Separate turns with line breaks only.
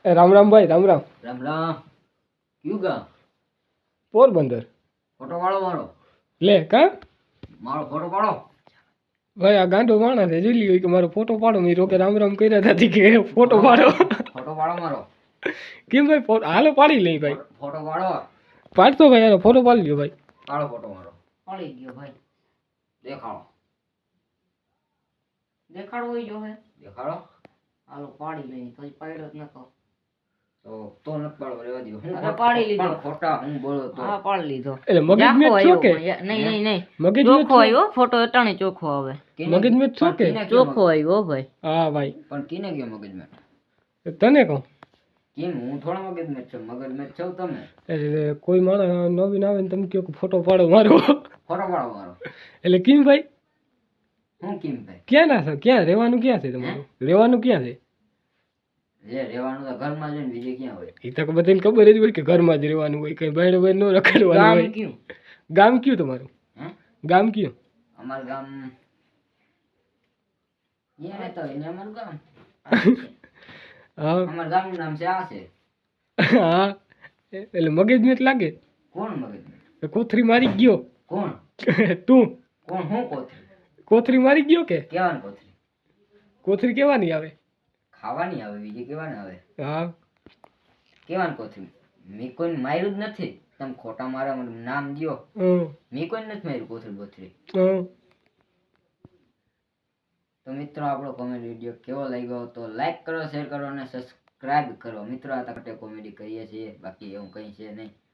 રામ રામ ભાઈ, રામ રામ.
રામ રામ. ક્યું ગામ?
પોરબંદર.
ફોટો પાડો મારો.
લે કા
મારો ફોટો પાડો.
ભાઈ આ ગાંડો માણસ છે, જોઈ લ્યો કે મારો ફોટો પાડો. મેં રોકે રામ રામ કર્યા હતા કે ફોટો પાડો.
ફોટો પાડો મારો.
કેમ ભાઈ? હાલો પાડી લઈ ભાઈ.
ફોટો પાડો.
પાડતો ભાઈ, હાલો ફોટો પાડી લ્યો ભાઈ.
પાડો ફોટો મારો. પાડી ગયો ભાઈ. દેખાડો. દેખાડવો હોય જો હે. દેખાડો. હાલો પાડી લઈ. તો પાડ્યો જ નતો. તો નથી પાડવો, રહેવા દો. હું પાડી લીધો. ફોટા હું બોલો તો. હા પાડી લીધો.
એટલે મગજ મેં છો કે
નહીં
મગજ
ચોખ્ખો આવ્યો ફોટો. અટાણે ચોખ્ખો આવે.
મગજ મેં છો કે
ચોખ્ખો આવ્યો ભાઈ.
હા ભાઈ.
પણ કિને ગયો મગજ મેં?
તને કહું
કેમ? હું થોડા મગજ મેં છું. મગજ મેં છો તમે.
એટલે કોઈ માણસ નવીન આવે ને તમે કહો કે ફોટો પાડો મારો.
ફોટો પાડો મારો.
એટલે કેમ ભાઈ?
હું કેમ ભાઈ?
ક્યાં ના છો? ક્યાં રહેવાનું? ક્યાં છે તમારું રહેવાનું? ક્યાં છે?
જે રહેવાનું તો ઘરમાં જ હોય ને, બીજે ક્યાં હોય?
એ તો બધાને ખબર જ હોય કે ઘરમાં જ રહેવાનું હોય, કઈ બહાર બહાર ન રખડવાનું હોય.
કયું
ગામ કયું તમારું? ગામ કયું?
અમારું ગામ અહીંયા રહેતો હોય ને અમારું ગામ.
હા
અમારું ગામનું નામ છે આ છે.
હા એટલે મગજ મેં લાગે.
કોણ મગજ મેં?
કોથરી મારી ગયો.
કોણ?
તું.
કોણ? હું કોથરી?
કોથરી મારી ગયો કે?
કેવાની કોથરી?
કોથરી કેવાની આવે?
ખાવાની આવે, બીજી કેવાની આવે?
હા
કેવાની કોથરી? મેં કોઈ માર્યું જ નથી. તમે ખોટા મારા નામ દ્યો. મેં કોઈ નથી માર્યું કોથરી બોથરી. તો મિત્રો આપણો કોમેડી વિડીયો કેવો લાગ્યો તો લાઈક કરો, શેર કરો અને સબસ્ક્રાઇબ કરો. મિત્રો આ તકતે કોમેડી કરીએ છીએ, બાકી એવું કંઈ છે નહીં.